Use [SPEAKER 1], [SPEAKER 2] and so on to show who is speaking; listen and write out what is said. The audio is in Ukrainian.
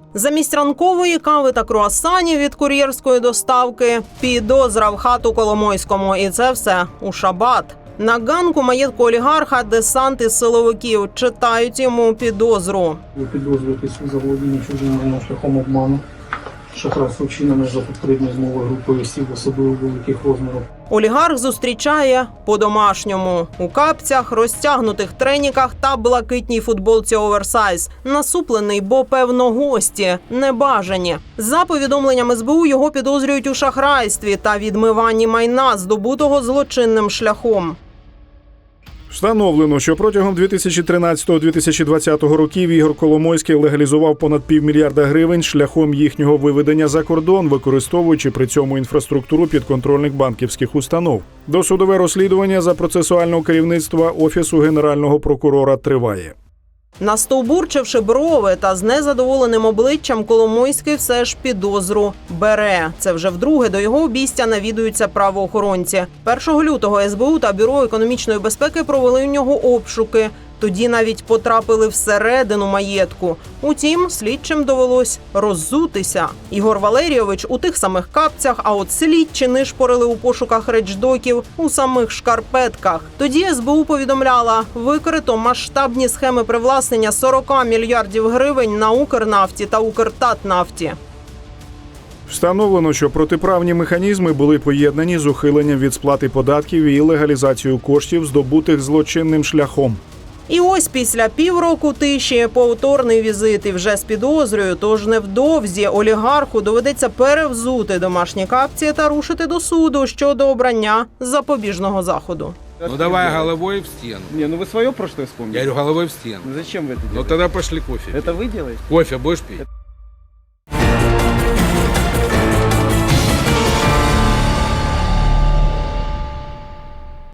[SPEAKER 1] Замість ранкової кави та круасанів від кур'єрської доставки – підозра в хату Коломойському. І це все у шабат. На ганку маєтку олігарха десант із силовиків читають йому підозру.
[SPEAKER 2] Ви підозрюєтесь у заволодінні чужим майном шляхом обману, шахрайство вчинене за попередньою змовою групою осіб особливо великих розмірів.
[SPEAKER 1] Олігарх зустрічає по-домашньому. У капцях, розтягнутих треніках та блакитній футболці оверсайз. Насуплений, бо, певно, гості небажані. За повідомленням СБУ, його підозрюють у шахрайстві та відмиванні майна, здобутого злочинним шляхом.
[SPEAKER 3] Встановлено, що протягом 2013-2020 років Ігор Коломойський легалізував понад $500 мільярда шляхом їхнього виведення за кордон, використовуючи при цьому інфраструктуру підконтрольних банківських установ. Досудове розслідування за процесуального керівництва Офісу Генерального прокурора триває.
[SPEAKER 1] Настовбурчивши брови та з незадоволеним обличчям, Коломойський все ж підозру бере. Це вже вдруге до його обійстя навідуються правоохоронці. 1 лютого СБУ та Бюро економічної безпеки провели у нього обшуки. Тоді навіть потрапили всередину маєтку. Утім, слідчим довелось роззутися. Ігор Валерійович у тих самих капцях, а от слідчі нишпорили у пошуках речдоків у самих шкарпетках. Тоді СБУ повідомляла, викрито масштабні схеми привласнення 40 мільярдів гривень на Укрнафті та Укртатнафті.
[SPEAKER 3] Встановлено, що протиправні механізми були поєднані з ухиленням від сплати податків і легалізацією коштів, здобутих злочинним шляхом.
[SPEAKER 1] І ось після півроку тиші повторний візит і вже з підозрою, тож невдовзі олігарху доведеться перевзути домашні капці та рушити до суду щодо обрання запобіжного заходу.
[SPEAKER 4] Ну давай головой в стену.
[SPEAKER 5] Не, ну вы свое прошлое вспомнили.
[SPEAKER 4] Я говорю, головой в стену.
[SPEAKER 5] Ну зачем вы это делаете?
[SPEAKER 4] Ну тогда пошли кофе.
[SPEAKER 5] Это вы делаете?
[SPEAKER 4] Кофе будешь пить?